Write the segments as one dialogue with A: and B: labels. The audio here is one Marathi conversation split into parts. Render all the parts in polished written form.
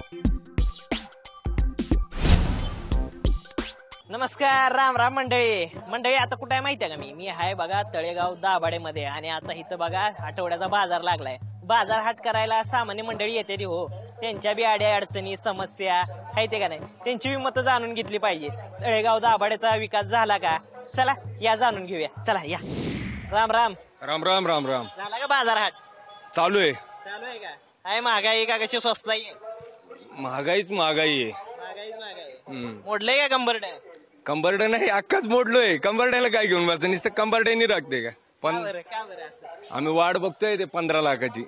A: नमस्कार, राम राम मंडळी. आता कुठे आहे माहिती आहे का? मी आहे बघा तळेगाव दाभाडेमध्ये. आणि आता इथं बघा आठवड्याचा बाजार लागलाय. बाजार हाट करायला सामान्य मंडळी येते ती हो. त्यांच्या बी अड्या अडचणी समस्या आहेत का नाही, त्यांची बी मतं जाणून घेतली पाहिजे. तळेगाव दाभाडेचा विकास झाला का? चला या जाणून घेऊया. चला या. राम राम.
B: राम राम राम राम.
A: झाला का बाजार हाट?
B: चालू आहे.
A: चालू आहे का? आहे महागाई का कशी स्वस्त आहे?
B: महागाईच महागाई आहे.
A: महागाई मोडलंय का कंबरड?
B: कंबरड नाही, अख्खाच मोडलोय. कंबरड्याला काय घेऊन बसतं? नुसतं कंबरड्यानी राखते का? पण आम्ही वाट बघतोय ते 15 लाखाची.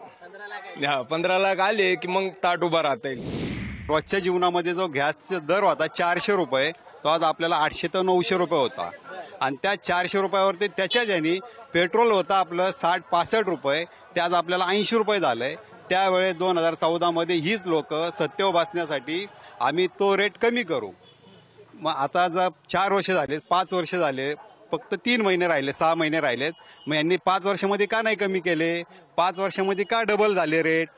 B: 15 लाख आले की मग ताट उभा राहता येईल.
C: रोजच्या जीवनामध्ये जो गॅसचा दर होता 400 रुपये, तो आज आपल्याला 800 ते 900 रुपये होता. आणि त्या 400 रुपयावरती त्याच्या ज्यानी पेट्रोल होतं आपलं 60-65 रुपये, ते आज आपल्याला 80 रुपये झालंय. त्यावेळेस 2014 मध्ये हीच लोक सत्तेवर बसण्यासाठी आम्ही तो रेट कमी करू. मग आता जर 4 वर्ष झाले, 5 वर्ष झाले, फक्त 3 महिने राहिले, 6 महिने राहिलेत. मग यांनी 5 वर्षामध्ये का नाही कमी केले? 5 वर्षामध्ये का डबल झाले रेट?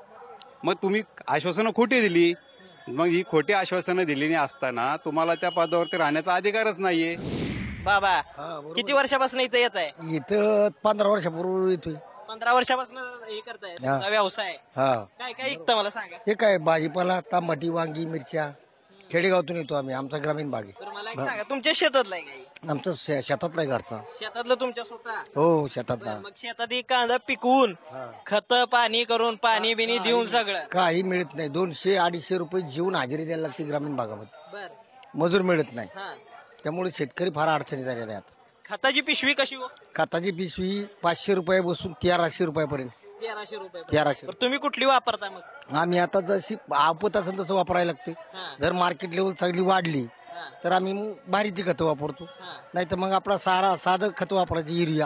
C: मग तुम्ही आश्वासनं खोटी दिली. मग ही खोटी आश्वासनं दिली असताना तुम्हाला त्या पदावरती राहण्याचा अधिकारच नाहीये.
A: बाबा किती वर्षापासून इथं येत आहे?
D: इथं 15 वर्षापूर्वी येतोय.
A: 15 वर्षापासून हे करताय तुमचा व्यवसाय? काय काय विकतं मला सांगा.
D: हे काय भाजीपाला, टमाटी, वांगी, मिरच्या. खेडेगावातून येतो आम्ही. आमचा ग्रामीण भाग आहे.
A: मला एक सांगा, तुमच्या शेतातलं आहे काही?
D: आमचं शेतातलं आहे घरचा.
A: शेतातलं तुमच्या स्वतः?
D: हो शेतातला.
A: मग शेतात एक कांदा पिकवून खत पाणी करून पाणी बिनी देऊन सगळं
D: काही मिळत नाही. 200-250 रुपये जीवन हजेरी द्यायला लागते ग्रामीण भागामध्ये. मजूर मिळत नाही. त्यामुळे शेतकरी फार अडचणी झालेल्या आहेत.
A: खताची पिशवी कशी हो?
D: खताची पिशवी 500 रुपये बसून 1300 रुपयापर्यंत.
A: 1300 रुपये.
D: 1300.
A: तुम्ही कुठली वापरता मग?
D: आम्ही आता जशी आपत असेल तसं वापरायला लागते. जर मार्केट लेवल चांगली वाढली तर आम्ही भारी ती खतं वापरतो. नाही तर मग आपला साधं खत वापरायचं. युरिया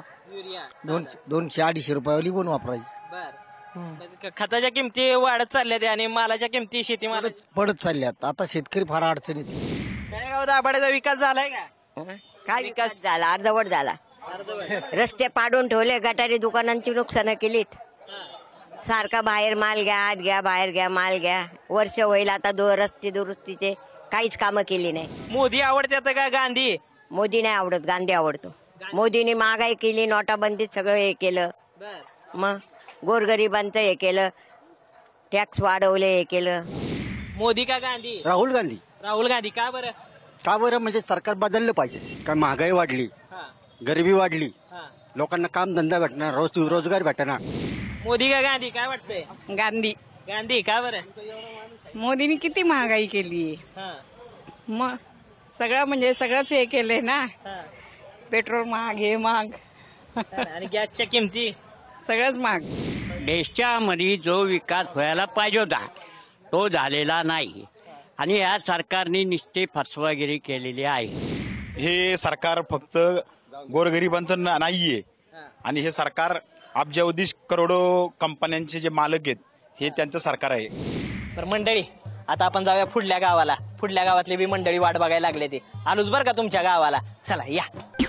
D: 200-250 रुपयावाली पण वापरायची.
A: खताच्या किमती वाढत चालल्या आणि मालाच्या किमती शेतीमाल
D: पडत चालल्यात. आता शेतकरी फार अडचणीत.
A: तळेगाव दाभाडेचा विकास झालाय का?
E: काय विकास झाला? अर्धवट झाला. रस्ते पाडून ठेवले, गटारी दुकानांची नुकसानं केलीत. सारखा बाहेर माल घ्या, आत घ्या, बाहेर घ्या, माल घ्या. वर्ष होईल आता रस्ते दुरुस्तीचे काहीच कामं केली नाही.
A: मोदी आवडते का गांधी?
E: मोदी नाही आवडत, गांधी आवडतो. मोदीने महागाई केली, नोटाबंदीत सगळं हे केलं. मग गोरगरिबांचं हे केलं, टॅक्स वाढवले, हे केलं.
A: मोदी का गांधी?
D: राहुल गांधी.
A: राहुल गांधी. का बरं?
D: का बरं म्हणजे सरकार बदललं पाहिजे. काय महागाई वाढली, गरिबी वाढली, लोकांना काम धंदा भेटणार, रोजगार भेटणार.
A: मोदी का गांधी? काय वाटतंय?
F: गांधी.
A: गांधी. का बरं?
F: मोदीने किती महागाई केली. मग सगळं म्हणजे सगळंच हे केलंय ना. पेट्रोल महाग, हे महाग,
A: आणि गॅसच्या किमती
F: सगळंच महाग.
G: देशाच्या मध्ये जो विकास व्हायला पाहिजे होता तो झालेला नाही. आणि या सरकारने निश्चित फसवागिरी केलेली आहे.
H: हे सरकार फक्त गोरगरिबांचं नाहीये. आणि हे सरकार अब्जावधी करोडो कंपन्यांचे जे मालक आहेत हे त्यांचं सरकार आहे.
A: तर मंडळी आता आपण जाऊया पुढल्या गावाला. पुढल्या गावातली बी मंडळी वाट बघायला लागले. ते आलोच बरं का तुमच्या गावाला. चला या.